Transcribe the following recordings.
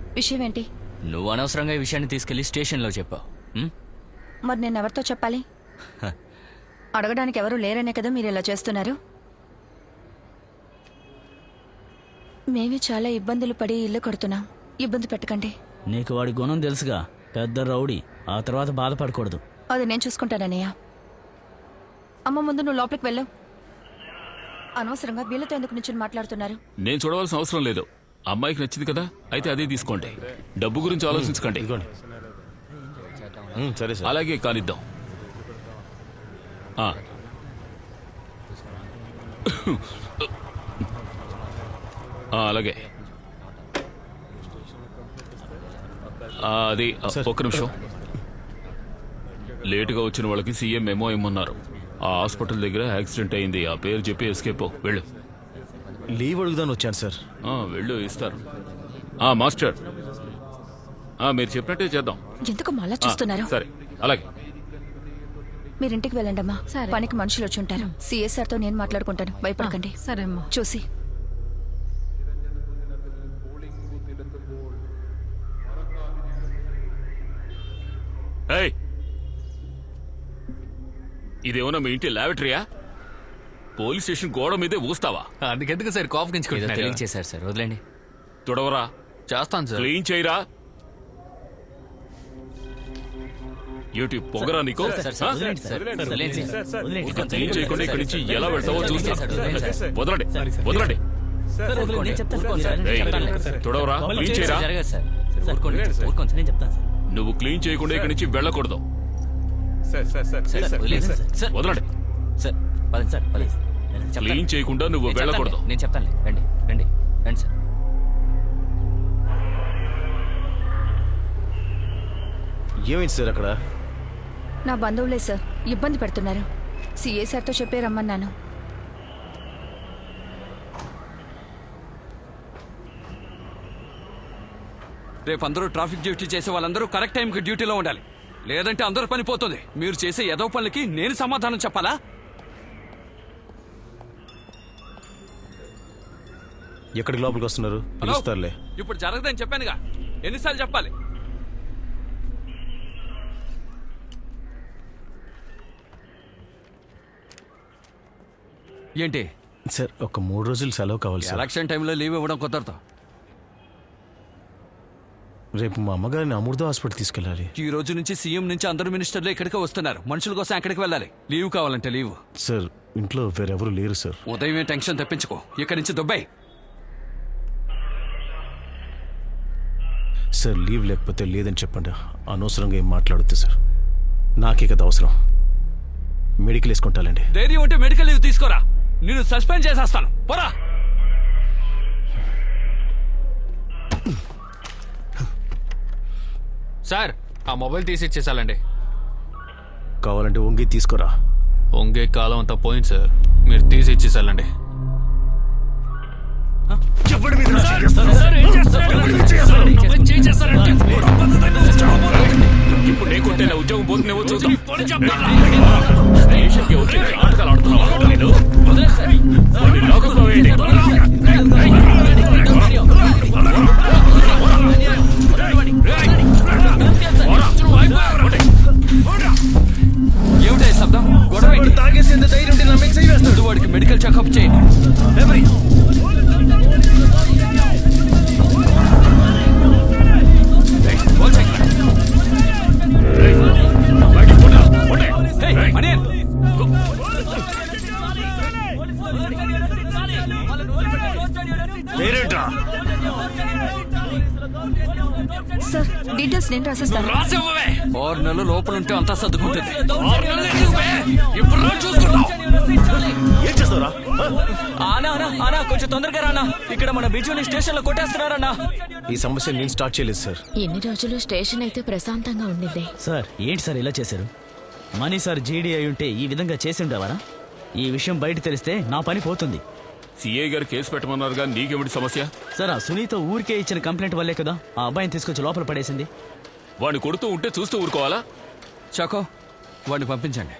విషయం ఏంటి? నువ్వు అనవసరంగా ఈ విషయాన్ని తీసుకెళ్లి స్టేషన్లో చెప్పావు. మరి నేను ఎవరితో చెప్పాలి? అడగడానికి ఎవరు లేరనే కదా మీరు ఇలా చేస్తున్నారు. మేమే చాలా ఇబ్బందులు పడి ఇల్లు కడుతున్నాం. ఇబ్బంది పెట్టకండి. నీకు వాడి గుణం తెలుసుగా, పెద్ద రౌడీ. ఆ తర్వాత బాధపడకూడదు. అది నేను చూసుకుంటానన్నయ్య. అమ్మ, ముందు నువ్వు లోపలికి వెళ్ళు. అనవసరంగా వీళ్ళతో ఎందుకు నుంచి మాట్లాడుతున్నారు? నేను చూడవలసిన అవసరం లేదు. అమ్మాయికి నచ్చింది కదా, అయితే అదే తీసుకోండి. డబ్బు గురించి ఆలోచించకండి. సరే సార్. అలాగే కానిద్దాం. అలాగే అది ఒక్క నిమిషం. లేటుగా వచ్చిన వాళ్ళకి సీఎం మెమో ఇమ్మన్నారు. ఆ హాస్పిటల్ దగ్గర యాక్సిడెంట్ అయింది. ఆ పేరు చెప్పి ఎస్కేప్ వెళ్ళు. లీవ్ అడుగుదాని వచ్చాను సార్. వెళ్ళు, ఇస్తారు. మాస్టర్, మీరు చెప్పినట్టే చేద్దాం. ఎందుకు మళ్ళా చూస్తున్నారు? సరే, అలాగే. మీరు ఇంటికి వెళ్ళండి అమ్మా. పనికి మనుషులు వచ్చి ఉంటారు. సిఎస్ఆర్ తో నేను మాట్లాడుకుంటాను. భయపడకండి. సరే అమ్మా. చూసి ఇదేమన్నా మీ ఇంటి ల్యాబరేటరీయా? పోలీస్ స్టేషన్ గోడ మీదే ఊస్తావా? అందుకెందుకు సార్ కాఫ్ చేశారు సార్, వదిలేండి. తుడవరా. చేస్తాను సార్. క్లీన్ చేయరా. ఏటి పొగరా నీకు? క్లీన్ చేయకుండా ఇక్కడి నుంచి ఎలా వెళ్తావో చూస్తా. వదలండి, వదలండి. తుడవరా, క్లీన్ చేయరా. నువ్వు క్లీన్ చేయకుండా ఇక్కడి నుంచి వెళ్ళకూడదు. వదలండి. క్లీన్ చేయకుండా నువ్వు వెళ్ళకూడదు. నేను చెప్తాను. రండి రండి రండి సార్. ఏమైంది సార్ అక్కడ? నా బంధువులే సార్, ఇబ్బంది పెడుతున్నారు. సిఎస్ఆర్ తో చెప్పే రమ్మన్నాను. రేపు అందరూ ట్రాఫిక్ డ్యూటీ చేసే వాళ్ళందరూ కరెక్ట్ టైంకి డ్యూటీలో ఉండాలి. లేదంటే అందరూ పని పోతుంది. మీరు చేసే ఏదో పనులకి నేను సమాధానం చెప్పాలా? ఎక్కడికి లోపలికి వస్తున్నారు? పిలుస్తారులే. ఇప్పుడు జరగదని చెప్పానుగా, ఎన్నిసార్లు చెప్పాలి? ఏంటి సార్, ఒక 3 రోజులు సెలవు కావాలి సార్. ఎలక్షన్ టైంలో లీవ్ ఇవ్వడం కుదరదు. రేపు మా అమ్మగారిని అమృత హాస్పిటల్ తీసుకెళ్ళాలి. ఈ రోజు నుంచి సీఎం నుంచి అందరూ మినిస్టర్లు ఇక్కడికే వస్తున్నారు. మనుషుల కోసం ఎక్కడికి వెళ్ళాలి. లీవ్ కావాలంటే లీవ్. సార్, ఇంట్లో వేరెవరు లేరు సార్. ఉదయమే టెన్షన్ తెప్పించుకో. ఇక్కడి నుంచి దుబాయ్. సార్, లీవ్ లేకపోతే లేదని చెప్పండి. అనవసరంగా ఏం మాట్లాడొద్దు సార్. నాకే కదా అవసరం. మెడికల్ వేసుకుంటానండి. ధైర్యం ఉంటే మెడికల్ లీవ్ తీసుకోరా. నేను సస్పెండ్ చేసేస్తాను. పోరా. సార్, ఆ మొబైల్ తీసి ఇచ్చేసాలండి. కావాలంటే వంగి తీసుకోరా. వంగే కాలం అంతా పోయింది సార్. మీరు తీసి ఇచ్చేసాలండి. ఇప్పుడు నేను కొట్టేలా ఉద్యోగం పోతున్నావో చూద్దాం. ఆటకాలు ఆడుతున్నావా? ఏమిటా శబ్దం? గొడవ తాగేసేంత ధైర్యం ఉంటే నా మీద చెయ్యి వేస్తాడు. వాడికి మెడికల్ చెకప్ చేయండి. సార్, డీటెయిల్స్ నేను రాసిస్తాను. 6 నెలలు లోపల ఉంటే అంతా సర్దుకుంటుంది. కొంచెం తొందరగా రానా. ఇక్కడ మన బిజుని స్టేషన్ లో కొట్టేస్తున్నారన్నా. ఈ సమస్య నేను స్టార్ట్ చేయలేదు సార్. ఎన్ని రోజులు స్టేషన్ అయితే ప్రశాంతంగా ఉండింది. సార్, ఏంటి సార్ ఇలా చేశారు? మనీ సార్ జీడీ అయి ఉంటే ఈ విధంగా చేసి ఉండేవారా? ఈ విషయం బయట తెలిస్తే నా పని పోతుంది. సిఐ గారు కేసు పెట్టమన్నారుగా, నీకేమిటి సమస్య? సార్, ఆ సునీత ఊరికే ఇచ్చిన కంప్లైంట్ వల్లే కదా ఆ అబ్బాయిని తీసుకొచ్చి లోపల పడేసింది. వాడిని కొడుతూ ఉంటే చూస్తూ ఊరుకోవాలా? చాకో, వాడిని పంపించండి.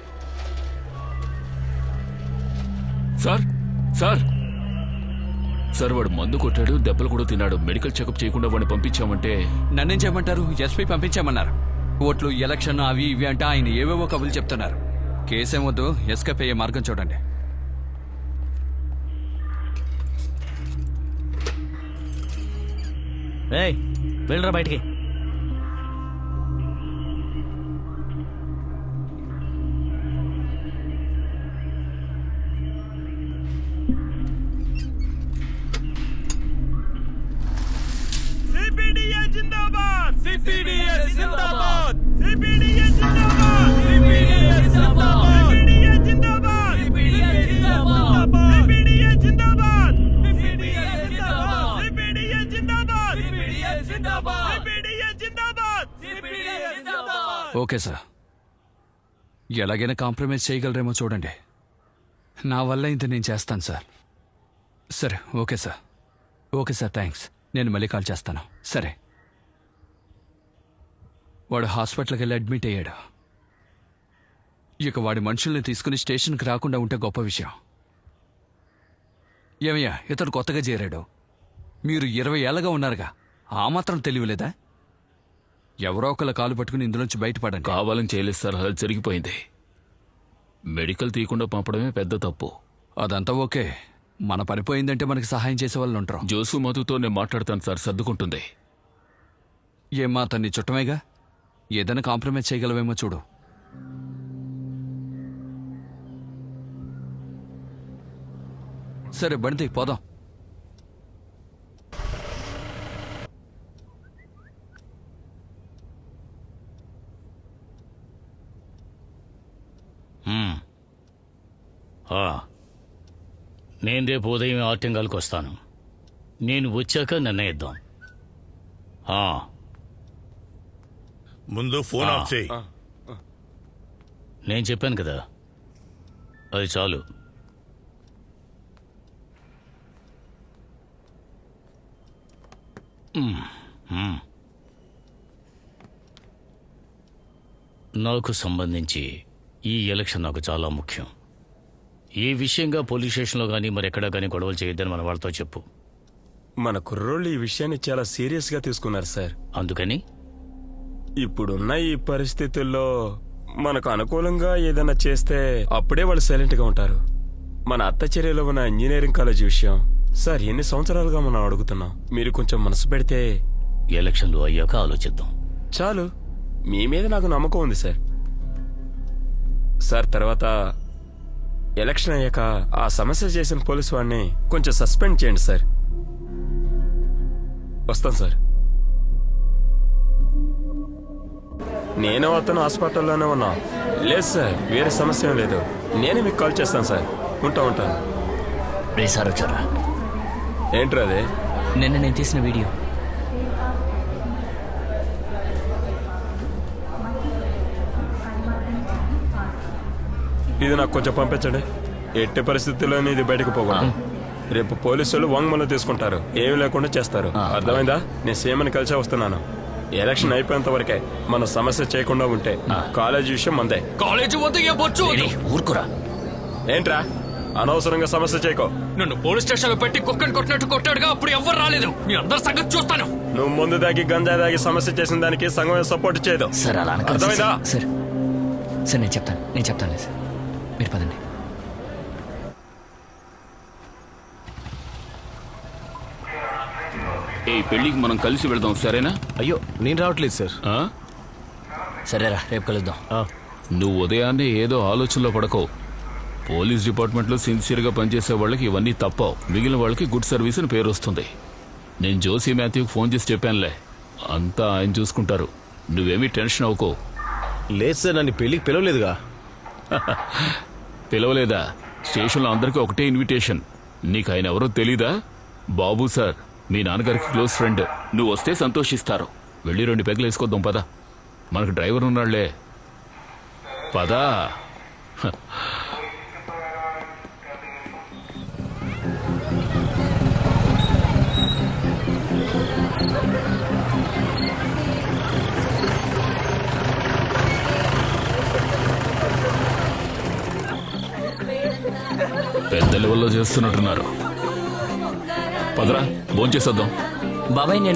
సార్, సార్, సార్ వాడు మందు కొట్టాడు, దెబ్బలు కూడా తిన్నాడు. మెడికల్ చెకప్ చేయకుండా వాడిని పంపించామంటే నన్నేం చేయమంటారు? ఎస్పీ పంపించామన్నారు. ఓట్లు, ఎలక్షన్ అవి ఇవి అంటే ఆయన ఏవేవో కబులు చెప్తున్నారు. కేసేం వద్దు, ఎస్కేప్ అయ్యే మార్గం చూడండి. ఏయ్ వెళ్ళరా బయటికి. ఓకే సార్, ఎలాగైనా కాంప్రమైజ్ చేయగలరేమో చూడండి. నా వల్ల ఇంత నేను చేస్తాను సార్. సరే, okay sir. Okay sir, thanks. నేను మళ్ళీ కాల్ చేస్తాను. సరే. వాడు హాస్పిటల్కి వెళ్ళి అడ్మిట్ అయ్యాడు. ఇక వాడి మనుషుల్ని తీసుకుని స్టేషన్కి రాకుండా ఉంటే గొప్ప విషయం. ఏమయ్యా, ఇతడు కొత్తగా చేరాడు. మీరు 20 ఏళ్ళగా ఉన్నారుగా, ఆ మాత్రం తెలియలేదా? ఎవరో ఒకళ్ళ కాలు పట్టుకుని ఇందులోంచి బయటపడండి. కావాలని చేయలేదు సార్, అలా జరిగిపోయింది. మెడికల్ తీయకుండా పంపడమే పెద్ద తప్పు. అదంతా ఓకే. మన పనిపోయిందంటే మనకి సహాయం చేసే వాళ్ళు ఉంటారు. జోసు మధుతో నేను మాట్లాడతాను సార్, సర్దుకుంటుంది. ఏమ్మా, అతన్ని చుట్టమేగా, ఏదైనా కాంప్రమైజ్ చేయగలవేమో చూడు. సరే, బండి పోదాం. నేను రేపు ఉదయం ఆర్టింగాల్కి వస్తాను. నేను వచ్చాక నిర్ణయిద్దాం. ముందు ఫోన్ ఆఫ్ చేయి. నేను చెప్పాను కదా, అది చాలు. నాకు సంబంధించి ఈ ఎలక్షన్ నాకు చాలా ముఖ్యం. ఈ విషయంగా పోలీస్ స్టేషన్లో కానీ మరెక్కడా కానీ గొడవలు చేయొద్దని మన వాళ్ళతో చెప్పు. మన కుర్రోళ్ళు ఈ విషయాన్ని చాలా సీరియస్గా తీసుకున్నారు సార్. అందుకని ఇప్పుడున్న ఈ పరిస్థితుల్లో మనకు అనుకూలంగా ఏదైనా చేస్తే అప్పుడే వాళ్ళు సైలెంట్గా ఉంటారు. మన అత్తచర్యలో ఉన్న ఇంజనీరింగ్ కాలేజ్ విషయం సార్, ఎన్ని సంవత్సరాలుగా మనం అడుగుతున్నాం. మీరు కొంచెం మనసు పెడితే ఎలక్షన్లు అయ్యాక ఆలోచిద్దాం. చాలు, మీ మీద నాకు నమ్మకం ఉంది సార్. సార్, తర్వాత ఎలక్షన్ అయ్యాక ఆ సమస్య చేసిన పోలీసు వాడిని కొంచెం సస్పెండ్ చేయండి సార్. వస్తాను సార్. నేను అతను హాస్పిటల్లోనే ఉన్నా. లేదు సార్, వేరే సమస్య ఏం లేదు. నేనే మీకు కాల్ చేస్తాను సార్. ఉంటాను. రే సార్ వచ్చారా? ఏంట్రా అదే? నిన్న నేను తీసిన వీడియో. ఇది నాకు కొంచెం పంపించండి. ఎట్టి పరిస్థితుల్లోనే ఇది బయటకు పోకూడదు. రేపు పోలీసులు వాంగ్మూలం తీసుకుంటారు, ఏమీ లేకుండా చేస్తారు. అర్థమైందా? నేను సీఎంని కలిసే వస్తున్నాను. ఎలక్షన్ అయిపోయేంత వరకే మన సమస్య చేయకుండా ఉంటే కాలేజీ విషయం మందే. కాలేజీ ఊరుకురా. ఏంట్రా అనవసరంగా సమస్య చేయకో. నన్ను పోలీస్ స్టేషన్ లో పెట్టి కుక్కని కొట్టినట్టు కొట్టాడుగా, అప్పుడు ఎవ్వరు రాలేదు. మీ అందరి సంగతి చూస్తాను. నువ్వు ముందు దాగి గంజా దాగి సమస్య చేసిన దానికి సంఘం సపోర్ట్ చేయదు. సార్ అలా అనకండి. అర్థమైందా? సార్ నేను చెప్తాను సార్, మీరు పదండి. ఈ పెళ్లికి మనం కలిసి వెళ్దాం, సరేనా? అయ్యో, నేను రావట్లేదు సార్. సరేరా, రేపు కలుద్దాం. నువ్వు ఉదయాన్నే ఏదో ఆలోచనలో పడకో. పోలీస్ డిపార్ట్మెంట్లో సిన్సియర్గా పనిచేసే వాళ్ళకి ఇవన్నీ తప్పవు. మిగిలిన వాళ్ళకి గుడ్ సర్వీస్ అని పేరు వస్తుంది. నేను జోసి మాథ్యూకి ఫోన్ చేసి చెప్పానులే, అంతా ఆయన చూసుకుంటారు. నువ్వేమీ టెన్షన్ అవ్వకో. లేదు సార్, నన్ను పెళ్లికి పిలవలేదుగా. పిలవలేదా? స్టేషన్లో అందరికీ ఒకటే ఇన్విటేషన్. నీకు ఆయన ఎవరో తెలీదా? బాబు సార్, మీ నాన్నగారికి క్లోజ్ ఫ్రెండ్. నువ్వు వస్తే సంతోషిస్తారు. వెళ్ళి 2 పెగ్గులు వేసుకొద్దాం పదా. మనకు డ్రైవర్ ఉన్నాళ్లే, పదా. పెద్ద లెవెల్లో చేస్తున్నట్టున్నారు. పదరా భోంచేసేద్దాం. బాబాయ్ నేను